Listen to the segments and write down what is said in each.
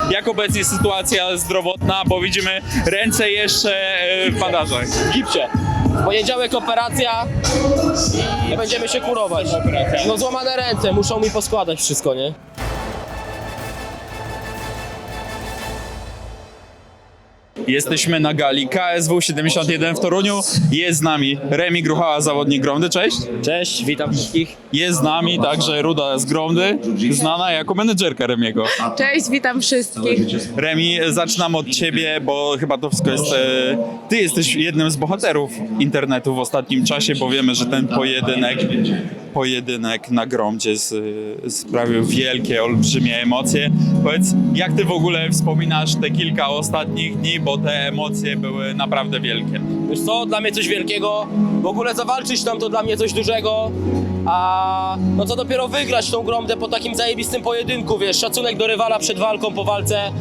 jak obecnie sytuacja zdrowotna, bo widzimy ręce jeszcze w bandażach. W gipsie. W poniedziałek operacja i będziemy się kurować. No złamane ręce, muszą mi poskładać wszystko, nie? Jesteśmy na gali KSW 71 w Toruniu. Jest z nami Remi Gruchała, zawodnik Gromdy. Cześć. Cześć, witam wszystkich. Jest z nami także Ruda z Gromdy, znana jako menedżerka Remiego. Cześć, witam wszystkich. Remi, zaczynam od ciebie, bo chyba to wszystko jest... Ty jesteś jednym z bohaterów internetu w ostatnim czasie, bo wiemy, że ten pojedynek na Gromdzie sprawił wielkie, olbrzymie emocje. Powiedz, jak ty w ogóle wspominasz te kilka ostatnich dni, bo te emocje były naprawdę wielkie. Wiesz co, dla mnie coś wielkiego. W ogóle zawalczyć tam to dla mnie coś dużego. A no co dopiero wygrać tą Gromdę po takim zajebistym pojedynku, wiesz, szacunek do rywala przed walką, po walce.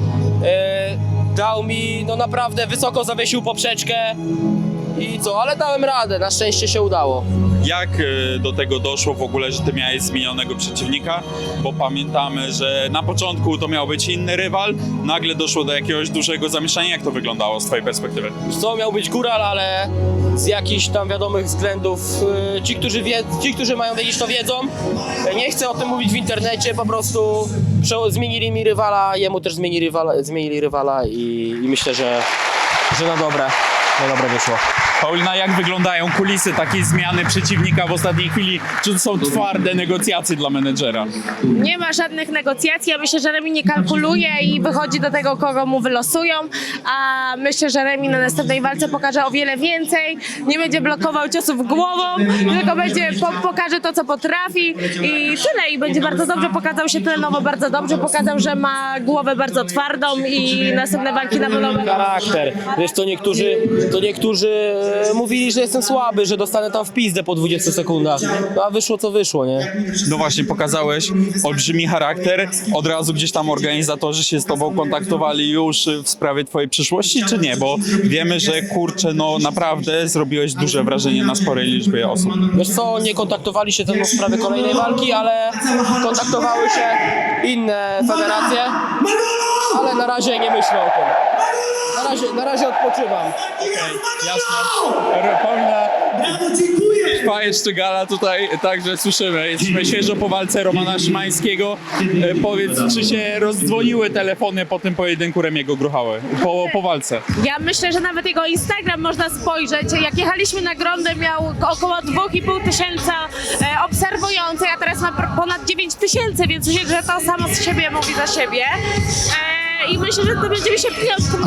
Dał mi, no naprawdę wysoko zawiesił poprzeczkę. I co, ale dałem radę, na szczęście się udało. Jak do tego doszło w ogóle, że ty miałeś zmienionego przeciwnika? Bo pamiętamy, że na początku to miał być inny rywal, nagle doszło do jakiegoś dużego zamieszania. Jak to wyglądało z twojej perspektywy? Wiesz co, miał być góral, ale z jakichś tam wiadomych względów ci, którzy mają wiedzieć, to wiedzą. Nie chcę o tym mówić w internecie, po prostu zmienili mi rywala, jemu też zmienili rywala i myślę, że na dobre wyszło. Paulina, jak wyglądają kulisy takiej zmiany przeciwnika w ostatniej chwili? Czy to są twarde negocjacje dla menedżera? Nie ma żadnych negocjacji. Ja myślę, że Remi nie kalkuluje i wychodzi do tego, kogo mu wylosują. A myślę, że Remi na następnej walce pokaże o wiele więcej. Nie będzie blokował ciosów głową, tylko będzie pokaże to, co potrafi i tyle. I będzie bardzo dobrze, pokazał się trenowo bardzo dobrze, pokazał, że ma głowę bardzo twardą i następne walki na pewno będą. Charakter. Wiesz, to niektórzy mówili, że jestem słaby, że dostanę tam w pizdę po 20 sekundach. No a wyszło co wyszło, nie? No właśnie, pokazałeś olbrzymi charakter. Od razu gdzieś tam organizatorzy się z tobą kontaktowali już w sprawie twojej przyszłości, czy nie? Bo wiemy, że kurczę, no naprawdę zrobiłeś duże wrażenie na sporej liczbie osób. Wiesz co, nie kontaktowali się ze mną w sprawie kolejnej walki, ale kontaktowały się inne federacje, ale na razie nie myślę o tym. Na razie odpoczywam. Jasne. Paulina, trwa jeszcze gala tutaj, także słyszymy. Jesteśmy świeżo po walce Romana Szymańskiego. Powiedz, czy się rozdzwoniły telefony po tym pojedynku Remiego Gruchały, po walce? Ja myślę, że nawet jego Instagram można spojrzeć. Jak jechaliśmy na Grondę, miał około 2,5 tysiąca obserwujących, a teraz ma ponad 9 tysięcy, więc myślę, że to samo z siebie mówi za siebie. I myślę, że to będziemy się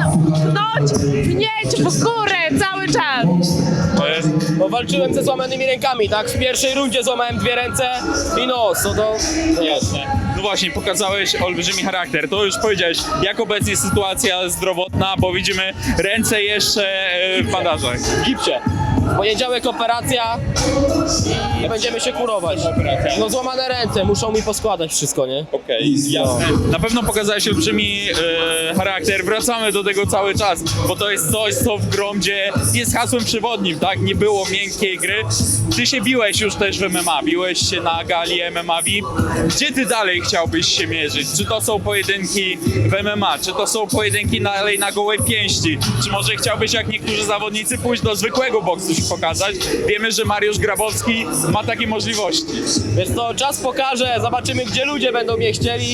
pnieć w górę cały czas. To jest... Bo walczyłem ze złamanymi rękami, tak? W pierwszej rundzie złamałem 2 ręce i nos, no to jasne. No właśnie, pokazałeś olbrzymi charakter. To już powiedziałeś, jak obecnie sytuacja zdrowotna, bo widzimy ręce jeszcze w bandażach. W gipsie. W poniedziałek operacja i będziemy się kurować. No złamane ręce, muszą mi poskładać wszystko, nie? Okej, jasne. Na pewno pokazałeś olbrzymi charakter. Wracamy do tego cały czas, bo to jest coś, co w Gromdzie jest hasłem przewodnim, tak? Nie było miękkiej gry. Ty się biłeś już też w MMA, biłeś się na gali MMA VIP. Gdzie ty dalej chciałbyś się mierzyć? Czy to są pojedynki w MMA? Czy to są pojedynki dalej na gołej pięści? Czy może chciałbyś, jak niektórzy zawodnicy, pójść do zwykłego boksu się pokazać? Wiemy, że Mariusz Grabowski ma takie możliwości. Wiesz co, czas pokaże, zobaczymy, gdzie ludzie będą mnie chcieli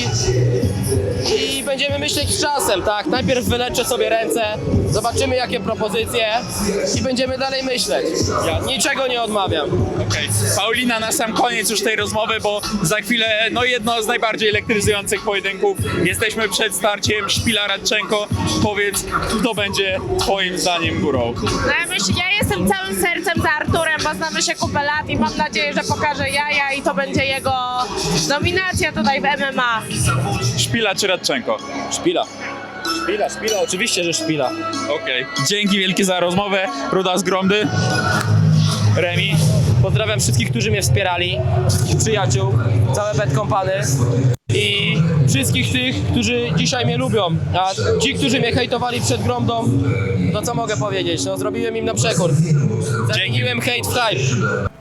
i będziemy myśleć z czasem, tak? Najpierw wyleczę sobie ręce, zobaczymy, jakie propozycje i będziemy dalej myśleć. Ja niczego nie odmawiam. Okej. Paulina, na sam koniec już tej rozmowy, bo za chwilę, no jedno z najbardziej elektryzujących pojedynków. Jesteśmy przed starciem Szpila-Radczenko. Powiedz, kto będzie twoim zdaniem górą? No ja jestem całym sercem za Arturem, bo znamy się kupę lat i mam nadzieję, że pokaże jaja i to będzie jego nominacja tutaj w MMA. Szpila czy Radczenko? Szpila, oczywiście, że szpila. Okej. Dzięki wielkie za rozmowę. Ruda z Gromdy. Remi. Pozdrawiam wszystkich, którzy mnie wspierali, wszystkich przyjaciół, całe Bad Company i wszystkich tych, którzy dzisiaj mnie lubią, a ci, którzy mnie hejtowali przed Gromdą, to co mogę powiedzieć, no zrobiłem im na przekór. Zamieniłem hejt w hype.